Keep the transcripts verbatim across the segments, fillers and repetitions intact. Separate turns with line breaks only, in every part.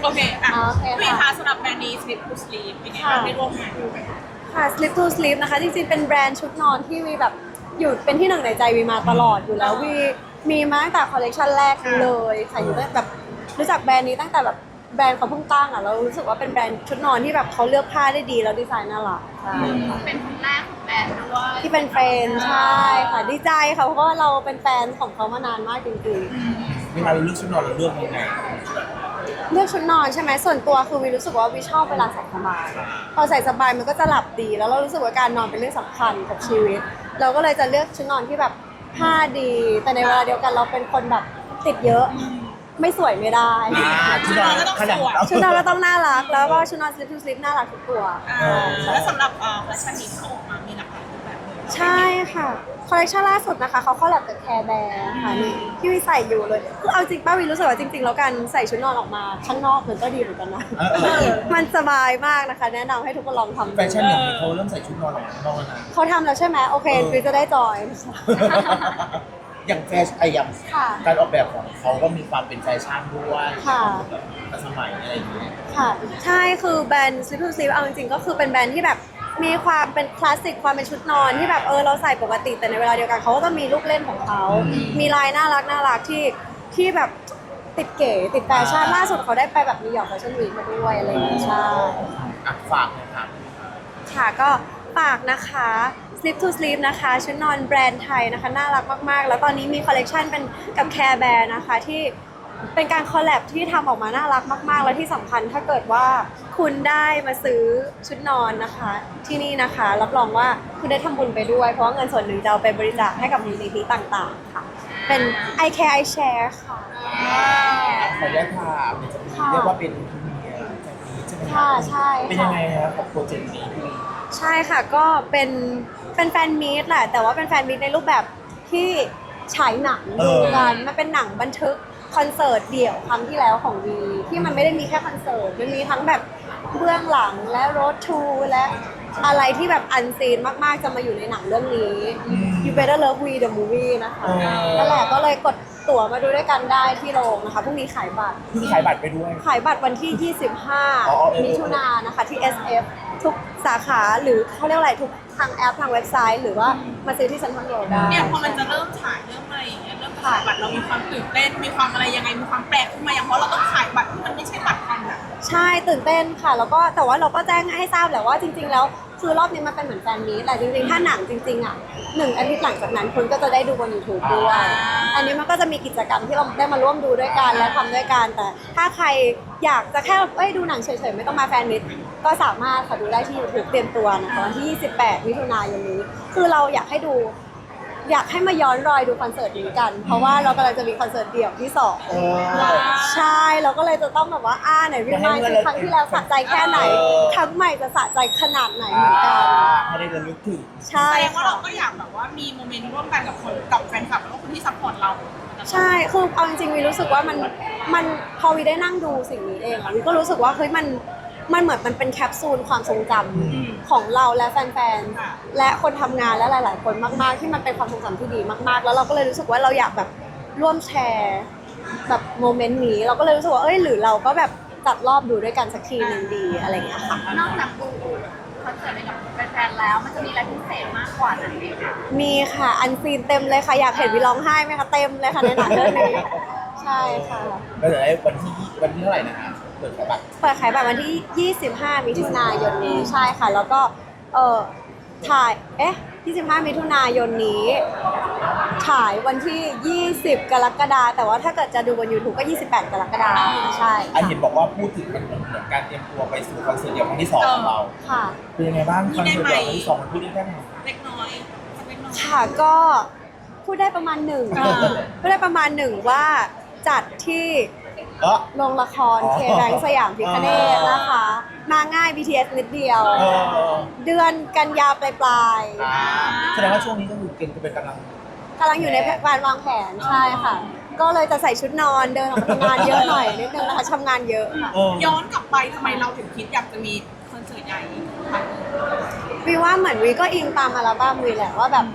เคอ่ะ
โอเค
พี่
ค่ะ
คะสำหรับแบรนด์นี้ Sleep to Sleep เป็นไงบ้างได้ร่วมงานด้วย
ค่ะ Sleep to Sleep นะคะจริงๆเป็นแบรนด์ชุดนอนที่วีแบบอยู่เป็นที่หนึ่งในใจวีมาตลอดอยู่แล้ววีมีมาตั้งแต่คอลเลคชันแรกเลยค่ะอยู่ตั้งแบบรู้จักแบรนด์นี้ตั้งแต่แบบแบรนด์เขาเพิ่งตั้งอ่ะเรารู้สึกว่าเป็นแบรนด์ชุดนอนที่แบบเขาเลือกผ้าได้ดีแล้วดีไซน์น่ารักใช่ค่ะ
เป็นคนแรกของแบรนด์ด้วย
ที่เป็นเฟรนด์ใช่ค่ะดีใจค่ะเพราะว่าเราเป็นแฟนของเขามานานมากจริงๆ
เวลาเราเลือกชุดนอนเราเลือกยังไง
เลือกชุดนอนใช่ไหมส่วนตัวคือวีรู้สึกว่าวีชอบเวลาใส่สบายพอใส่สบายมันก็จะหลับดีแล้วเรารู้สึกว่าการนอนเป็นเรื่องสำคัญกับชีวิต เราก็เลยจะเลือกชุดนอนที่แบบผ้าดี แต่ในเวลาเดียวกันเราเป็นคนแบบติดเยอะไม่สวยไม่ได้
อ่าชุดนอนขนาด
ชุดนอนก็ต้องน่ารักแล้วก็ชุดนอน sleep to sleep น่ารักทุกตัว
อ่าแล้วสำหรับเอ่อคอลเลคชันนี้ที่ออกมามีหลากหลายรูปแบบเลย
ใช่ค่ะคอลเลคชันล่าสุดนะคะเขาคอลแลบกับแคร์แบร์ค่ะนี่ที่วีใส่อยู่เลยคือเอาจริงป้าวีรู้สึกว่าจริงๆแล้วการใส่ชุดนอนออกมาข้างนอกมันก็ดีเหมือนกันนะ
เออเออเออ
มันสบายมากนะคะ แนะนำให้ทุกคนลองทำดู
แฟชั่นอย่างนี้เขาเริ่มใส่ชุดนอนออกมาข้างนอกแล้วนะ
เขาทำแล้วใช่ไหมโอเค
เออ
วีจะได้จอย
อย่างแฟชั่นไอ้อย่าง
ค่ะ
การออกแบบของเขาก็มีความเป็นแฟชั่นด้วย
ค่ะ
แบบทันสมัยอะไรอย่างเงี้ย
ค่ะ ใช่คือแบรนด์ Sleep to Sleep เอาจริงๆก็คือเป็นแบรนด์ที่แบบมีความเป็นคลาสสิกความเป็นชุดนอนที่แบบเออเราใส่ปกติแต่ในเวลาเดียวกันเขาก็จะมีลูกเล่นของเขา มีลายน่ารักน่ารักที่ที่แบบติดเก๋ติดแฟชั่นล่าสุดเขาได้ไปแบบนิวยอร์กแฟชั่นวีคมาด้วยอะไรอย่างเงี้ยใช่
อ่ะฝากเลยครับ
ค่ะก็ฝากนะคะ Sleep to Sleep นะคะชุดนอนแบรนด์ไทยนะคะน่ารักมากๆ แล้วตอนนี้มีคอลเลกชันเป็นกับ Care Bear นะคะที่เป็นการคอลแลบที่ทำออกมาน่ารักมากๆ แล้วที่สำคัญถ้าเกิดว่าคุณได้มาซื้อชุดนอนนะคะที่นี่นะคะรับรองว่าคุณได้ทำบุญไปด้วย เพราะว่าเงินส่วนหนึ่งจะเอาไปบริจาคให้กับมูลนิธิต่างๆค่ะเป็น I Care I Share ค่ะ
ขออนุญาตถามเนี่ยจะมีเรียกว่าเป็นพรีเมียร์จากนี้ใช่ไหมครั
ค่ะใช่
เป็น
ค่ะ
ยังไงครับกับโปรเจกต์นี้พี่
ใช่ค่ะก็เป็นเป็นแฟนมีตแหละแต่ว่าเป็นแฟนมีตในรูปแบบที่ฉายหนังดูกันมันเป็นหนังบันทึกคอนเสิร์ตเดี่ยวครั้งที่แล้วของวีที่มันไม่ได้มีแค่คอนเสิร์ตมันมีทั้งแบบเบื้องหลังและโรดทูและอะไรที่แบบอันซีนมากๆจะมาอยู่ในหนังเรื่องนี้ You Better Love We the Movie นะคะนั่นแหละก็เลยกดตั๋วมาดูด้วยกันได้ที่โรงนะคะพรุ่งนี้ขายบัตร
เพิ่งขายบัตรไปด้วย
ขายบัตรวันที่ ยี่สิบห้า
อ๋อเออ
มิถุนายนนะคะที่ เอส เอฟ ทุกสาขาหรือเขาเรียกอะไรทุกทางแอปทางเว็บไซต์ หรือว่ามาซื้อที่เซ็นทรัลเวิลด์ได้
เนี่ยพอมันจะเริ่มฉายเริ่มอะไรอย่างเงี้ยเริ่มขายบัตรเรามีความตื่นเต้นมีความอะไรยังไงมีความแปลกขึ้นมาอย่างเพราะเราต้องขายบัตรที่มันไม่ใช่บัตรทันอะ
ใช่ตื่นเต้นค่ะ แล้วก็แต่ว่าเราก็แจ้งให้ทราบแหละว่าจริง ๆ แล้วคือรอบนี้มันเป็นเหมือนแฟนมีตแหละจริงๆ ถ้าหนังจริงๆอ่ะหนึ่งอาทิตย์หลังจากนั้นคุณก็จะได้ดูบน YouTube ด้วย อันนี้มันก็จะมีกิจกรรมที่เราได้มาร่วมดูด้วยกันและทำด้วยกันแต่ถ้าใครอยากจะแค่เอ้ยดูหนังเฉยๆไม่ต้องมาแฟนมิตก็สามารถค่ะดูได้ที่ YouTube เตรียมตัวนะคะวันที่ยี่สิบแปดมิถุนายนนี้ คือเราอยากให้ดู อยากให้มาย้อนรอยดูคอนเสิร์ตนี้กัน เพราะว่าเรากำลังจะมีคอนเสิร์ตเดี่ยวที่สอง
เออ
ใช่เราก็เลยจะต้องแบบว่าอ่าไหนวิมานคือครั้งที่แล้วสะใจแค่ไหน
เออ
ครั้งใหม่จะสะใจขนาดไหนเหมือนกัน
ให้ได้ระลึกถึง
ใช่
แสดงว่า
ค่ะ
เราก็อยากแบบว่ามีโมเมนต์ร่วมกันกับคนกับแฟนคลับแล้วก็คนที่ซัพพอร์ตเรา
ใช่คือเอาจริงๆวีรู้สึกว่ามันมันพอวีได้นั่งดูสิ่งนี้เองอะวีก็รู้สึกว่าเฮ้ยมันมันเหมือนมันเป็นแคปซูลความทรงจำของเราและแฟนๆและคนทำงานและหลาย ๆ คนมากๆ ที่มันเป็นความทรงจำที่ดีมากๆ แล้วเราก็เลยรู้สึกว่าเราอยากแบบร่วมแชร์แบบโมเมนต์นี้เราก็เลยรู้สึกว่าเอ้ยหรือเราก็แบบจัดรอบดูด้วยกันสักทีหนึ่งดีอะไรอย่างเงี้ยค่ะ
นอกจากดูคอนเสิร์ตอะไรกับแฟนๆแล้วมันจะมีอะไรพิเศษมากกว่านั้นไหมคะ
มีค่ะอันซีนเต็มเลยค่ะอยากเห็นวีร้องไห้ไหมคะเต็มเลยค่ะในหนังเรื่องนี้ใช่ค่ะ
แล้วเดี๋ยวไอ้วันที่วันที่เท่าไหร่นะฮะเปิดขายบัตร
เปิดขายบัตรวันที่ ยี่สิบห้า มิถุนายนนี้ใช่ค่ะ แล้วก็เออถ่ายเอ๊ะ ยี่สิบห้า มิถุนายนนี้ถ่ายวันที่ ยี่สิบ กรกฎาคมแต่ว่าถ้าเกิดจะดูบน YouTube ก็ ยี่สิบแปด กรกฎาคมใช่
อันเห็นบอกว่าพูดถึงมันเหมือนการเตรียมตัวไปสู่คอนเสิร์ตเดี่ยวครั้งที่สองของเรา
ค่ะ
เป็นยังไงบ้างคอนเสิร์ตเดี่ยวครั้งที่สองมันพูดได้แค่ไหน
เล็กน้อยสักเล็กน้อย
ค่ะก็พูดได้ประมาณหนึ่ง
อ่า
พูดได้ประมาณหนึ่งว่าจัดที่
เออ
โรงละคร
อ๋อ
เคแบงสยามพิคเนตนะคะ มาง่าย บี ที เอส นิดเดียว
เออ
เดือนกันยาปลาย
อ่าแสดงว่าช่วงนี้ก็คือเก่งจะเป็นกำลัง
ๆกำลังอยู่ในการวางแผนใช่ค่ะ ก็เลยจะใส่ชุดนอนเดินออกมาทำงานเยอะหน่อยนิดนึงนะคะทำงานเยอะค่ะ
เออ
ย้อนกลับไปทำไมเราถึงคิดอยากจะมีคอนเสิร์ตใหญ่อีกครั้งหนึ่ง
วีว่าเหมือนวีก็อิงตามอัลบั้มวีแหละว่าแบบ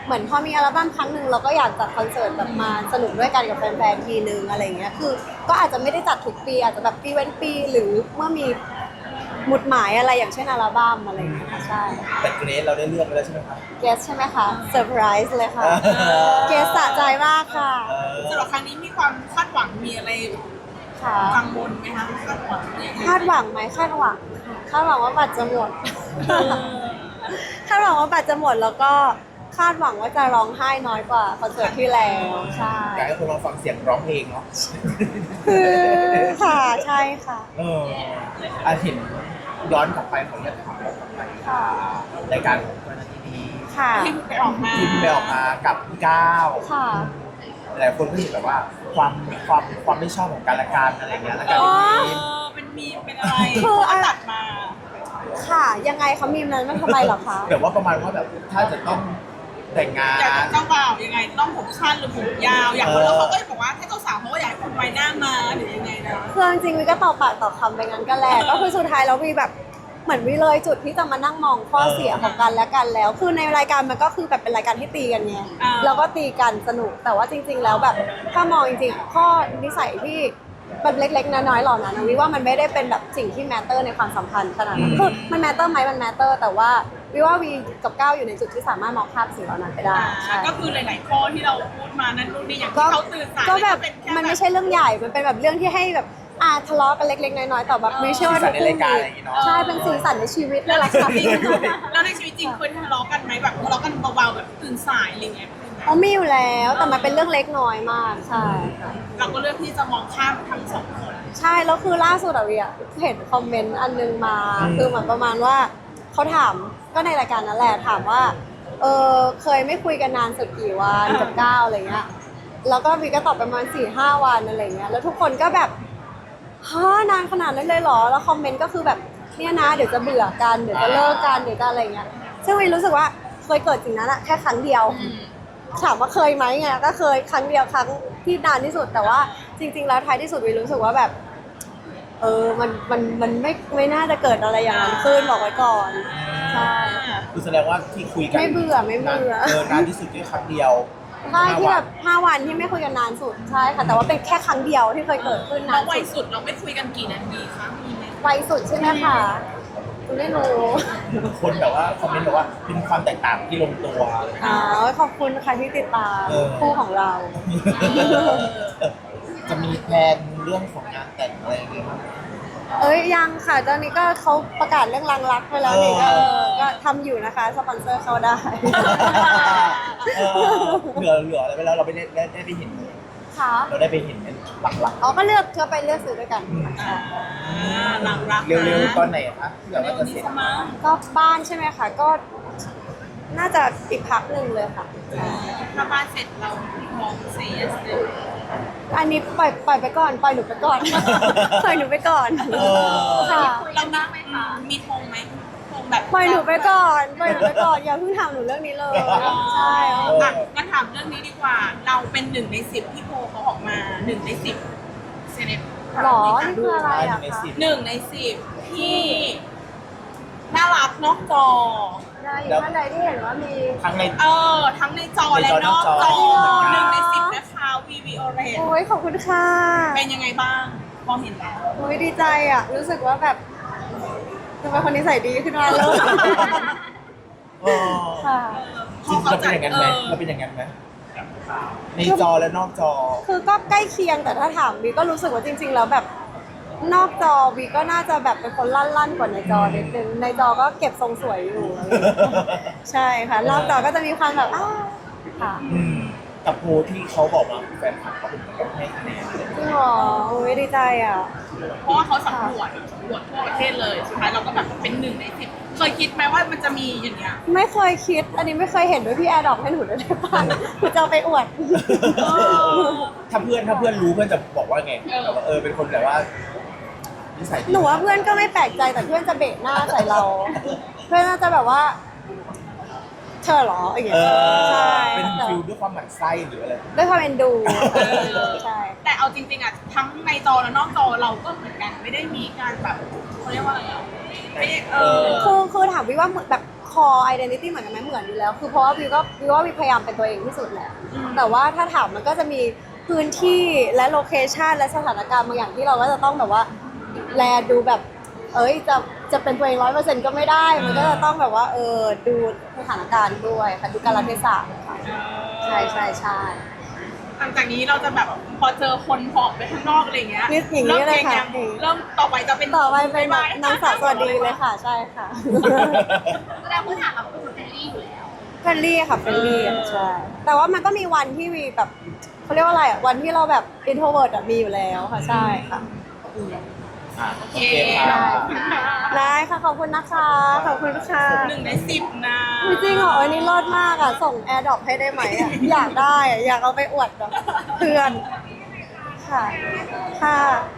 เหมือนพอมีอัลบั้มครั้งหนึ่งเราก็อยากจัดคอนเสิร์ตแบบมาสนุกด้วยกันกับแฟนๆทีนึงอะไรเงี้ยคือก็อาจจะไม่ได้จัดทุกปีอาจจะแบบปีเว้นปีหรือเมื่อมีหมุดหมายอะไรอย่างเช่นอัลบั้มอะไรอย่างเงี้ยค่ะใช่
แต่เกรซเราได้เลือกไปแล้วใช่ไหมครับ
เกสใช่ไหมคะเซอร์ไพรส์เลยค่ะเกสสะใจมากค่ะ
เออ
สำหรับครั้งนี้มีความคาดหวังมีอะไร
ค่ะ
กังวลไหมคะคาดหวังยังไง
คาดหวังไหมคาดหวังคาดหวังว่าบัตรจะหมด คาดหวังว่าบัตรจะหมดแล้วก็คาดหวังว่าจะร้องไห้น้อยกว่าคอนเสิร์ตที่แล้วใช่
อยากให้คนลองฟังเสียงร้องเพลงเนาะ
คือค่ะใช่ค่ะ
เอออาเห็นย้อนกลับไปของเนี่ยถามกลับไป
ค่ะ
รายการของวันอาทิตย์นี้
ค่ะ
ที่ไปออกมา
ที่ไปออกมากับพี่ก้าว
ค่ะ
หลายคนก็เห็นแบบว่าความความความไม่ชอบของการละการอะไรเงี้ยแล้วการ
อ๋อ
ทีม
เออเป็นมีมเป็นอะไร
คือ
เขาตัดมา
ค่ะยังไงคะมีมนั้นมันทำไมเหรอคะ
แบบว่าประมาณว่าแบบถ้าจะต้องแต่งงา
อยาก
น
จะเจ้าบ่าวยังไงต้องผมสั้นหรือผมยาว อย่างคนแล้วเขาก็บอกว่าถ้าเจ้าสาวเขาก็อยากให้ผมไว้หน้ามาหรือยังไงนะ
คือจริงๆวิก็ต่อปากต่อคำไปงั้นกันแหละก็คือสุดท้ายแล้ววีแบบเหมือนวิเลยจุดที่จะมานั่งมองข้อเสียของกันและกันแล้ว คือในรายการมันก็คือแบบเป็นรายการที่ตีกันไง
อ่า
แล้วก็ตีกันสนุกแต่ว่าจริง ๆ แล้วแบบถ้ามองจริงๆอะข้อนิสัยที่มันเล็กๆน้อยๆเหล่านั้นนะวิว่ามันไม่ได้เป็นแบบสิ่งที่แมตเตอร์ในความสัมพันธ์ขนาดนั้นคือมันแมตเตอร์ไหมมันแมตเตอร์แต่ว่าวิว่าวีกับก้าวอยู่ในจุดที่สามารถมองข้ามสิ่งเหล่านั้นไปได้ใช่
ก็คือหลายๆข้อที่เราพูดมานั่นนู่นนี่อย่าง
ก็
ที่เขาตื่นสาย
ก็แบบ
เป็นค่
มันไม่ใช่เรื่องใหญ่ มันเป็นแบบเรื่องที่ให้แบบอ่าทะเลาะกันเล็กๆน้อยๆแต่แบบไม่เชื่อว่า
สีสั
ทุ
น
ก
ใน
คู่
รายการ
มี
อะไรอย่างงี้เนาะ
ใช่เป็นสีสันในชีวิตเลยล่ะค่ะ
แล้วในชีวิตจริงเคยทะเลาะกันไหมแบบทะเลาะกันเบาๆแบบตื่นสายอะไรเงี้ย
เขามีอยู่แล้วแต่มันเป็นเรื่องเล็กน้อยมากใช่ค่ะ
เราก็เลือกที่จะมองข้ามทั้งสองคน
ใช่แล้วคือล่าสุดอะเวียเห็นคอมเมนต์อันนึงมา
อืม
คือเหมือนประมาณว่าเขาถามก็ในรายการนั่นแหละถามว่าเออเคยไม่คุยกันนานสุดกี่วันกับก้าวอะไรเงี้ยแล้วก็วีก็ตอบประมาณสี่ห้าวันอะไรเงี้ยแล้วทุกคนก็แบบฮะนานขนาดนั้นเลยเหรอแล้วคอมเมนต์ก็คือแบบเนี่ยนะเดี๋ยวจะเบื่อกันเดี๋ยวจะเลิกกันเดี๋ยวจะอะไรเงี้ยซึ่งวีรู้สึกว่าเคยเกิดสิ่งนั้นอะแค่ครั้งเดียว ถามว่าเคยไหมไงก็เคยครั้งเดียวครั้งที่นานที่สุดแต่ว่าจริง ๆ แล้วท้ายที่สุดวีรู้สึกว่าแบบ เออมันมันมันไม่ไม่น่าจะเกิดอะไรอย่างนั้นขึ้นบอกไว้ก่อนใช่
คือแสดงว่าที่คุยกัน
ไม่เบื่อไม่เบื่อ
เออนานที่สุดแค่ครั้งเดียว
ใช่ที่แบบห้าวันที่ไม่คุยกันนานสุดใช่ค่ะแต่ว่าเป็นแค่ครั้งเดียวที่เคยเกิดขึ้น
เรา
นาน
วัย
สุด
สุดเราไม่คุยกันกี่นาทีคะมีไหม
ไวสุดใช่ไหมคะคุณไม่รู้
คนแบบว่าคอมเมนต์บอกว่าเป็นความแตกต่างที่ลงตัว
อ๋อขอบคุณค่ะที่ติดตาม
เออ
คู่ของเรา
จะมีแพลนเรื่องของงานแต่งอะไรอย่างเงี้ยบ้างไหม
เอ้ยยังค่ะตอนนี้ก็เขาประกาศเรื่องรังรักไปแล้วนี่
เอ
ก็
อ
ก็ทำอยู่นะคะสปอนเซอร์เข้าได้
เออเหลือเหลืออะไรไปแล้วเราไม่ได้ได้ได้ไปเห็น
ค่ะ
เราได้ไปเห็นเป็นหลัก
อ๋อก็เลือกก็ไปเลือกซื้อด้วยกัน
อ่าหลังรัก
ๆ เร็วๆตอนไหนคะที่แบบ
เร็
ว่าว จะ
นี้
เสร็จ
สมั้ง
ก็บ้านใช่ไหมคะก็น่าจะอีกพักหนึ่งเลยค่ะ
ถ้าบ้านเสร็จเรามองเสียสเลย
อันนี้ปล่อยปล่อยไปก่อนปล่อยหนูไปก่อน ปล่อยหนูไปก่อน
เออ
ค่ะ
เรามีไหมคะมีธงไหมธงแบบ
ปล่อยหนูไปก่อนปล่อยหนูไปก่อนอย่าเพิ่งถามหนูเรื่องนี้เลยใช่
อ่ะงั้นถามเรื่องนี้ดีกว่า เราเป็นหนึ่งในสิบที่โพลเขาออกมาหนึ่งในสิบเซเลบ
หรอนี่คืออะไรอะ
ใน
คะ
สิบ
หนึ่งในสิบที่น่ารักนอกจอ
ได้อยู่ท่านใดที่เห็นว่ามี
ทั้งใน
เออ ทั้งในจอและนอกจอ
ในจอนอกจอ
หนึ่งในสิบนะคะวีวีโอเรน
โอ้ยขอบคุณค่ะ
เป็นยังไงบ้างพอเห็นแล้ว
โอ้ยดีใจอ่ะ รู้สึกว่าแบบทำไมคนนิสัยดีขึ้นมาเลย
เออ
ค่ะ
จริงๆเราเป็นอย่างนั้นไหมเราเป็นอย่างนั้นไหมในจอและนอกจอ
คือก็ใกล้เคียงแต่ถ้าถามบีก็รู้สึกว่าจริง ๆ แล้วแบบนอกจอบีก็น่าจะแบบเป็นคนลั่นๆกว่าในจอนิดนึงในจอก็เก็บทรงสวยอยู่อะไรอย่างเงี้ยใช่ค่ะนอกจอก็จะมีความแบบอ้าวค่ะ
อืมกับโพลที่เขาบอกมาแฟนคลับเขาเป็นคนให้คะแนนอะไรอย่าง
จริ
เงี้ย
งเหรอโอ้ยดีใจอ่ะ
เพราะว่าเขาสำรวจสำรวจทั่วประเทศเลยสุดท้ายเราก็แบบเป็นหนึ่งในสิบเคยคิดไหมว่ามันจะมีอย่างเงี้ย
ไม่เคยคิด อันนี้ไม่เคยเห็นด้วยพี่แอร์ดรอปให้หนูด้วยได้ป่ะหนูจะเอาไปอวด
ถ้าเพื่อนถ้าเพื่อนรู้เพื่อนจะบอกว่าไง
เออ
แบบว่าเออเป็นคนแบบว่านิสัยดี
หนูว่าเพื่อนก็ไม่แปลกใจแต่เพื่อนจะเบะหน้าใส่เรา เพื่อนน่าจะแบบว่า เธอเหรออย่างเงี้
เอย อ
ใช่
เป็น
แต่
ฟิลด้วยความหมั่นไส้หรืออะไร
ด้วยความเอ็นดูใช่
แต่เอาจริงๆอ่ะทั้งในจอและนอกจอเราก็เหมือนกันไม่ได้มีการแบบเขาเรียกว่าอะไรอ่ะไม่ได้เออ
คือคือถามวิว่าแบบ core identity เหมือนกันไหมเหมือนอยู่แล้ว คือเพราะว่าวิวก็วิวว่าวิวพยายามเป็นตัวเองที่สุดแหละแต่ว่าถ้าถามมันก็จะมีพื้นที่และโลเคชันและสถานการณ์บางอย่างที่เราก็จะต้องแบบว่าแลดูแบบ เอ้ยจะจะเป็นตัวเองร้อยเปอร์เซ็นต์ก็ไม่ได้ มันก็จะต้องแบบว่าเออดูสถานการณ์ด้วยค่ะดูกาลเทศะค่ะใช่ใช่ใช่
หลังจากนี้เราจะแบบพอเจอคนผอมไปข้างนอกอะไรอย่างเงี้ย
นี่อย่างนี้เลยค่ะ
ริ่มงงเริ่มต่อไปจะเป็น
ต่อไปเป็น
บ๊ายบาย
นางสาวสวัสดีเลยค่ะ ใช่ค่ะ
แสดงพื้นฐานเราเป็นคนเฟรนลี่อยู่แล้ว
เฟรนลี่ค่ะเฟรนลี่ใช่แต่ว่ามันก็มีวันที่วีแบบเขาเรียกว่าอะไรอ่ะวันที่เราแบบ introvert อะมีอยู่แล้วค่ะใช่ค่ะอืม
อ่ะโอเคค่ะ
ได้ค่ะขอบคุณนะคะขอบคุณค่ะ
หนึ่งในสิบนะ
จริงเหรออันนี้รอดมากอ่ะส่งแอร์ดรอปให้ได้ไหมอ่ะอยากได้อ่ะอยากเอาไปอวดแบบเพื่อนค่ะค่ะ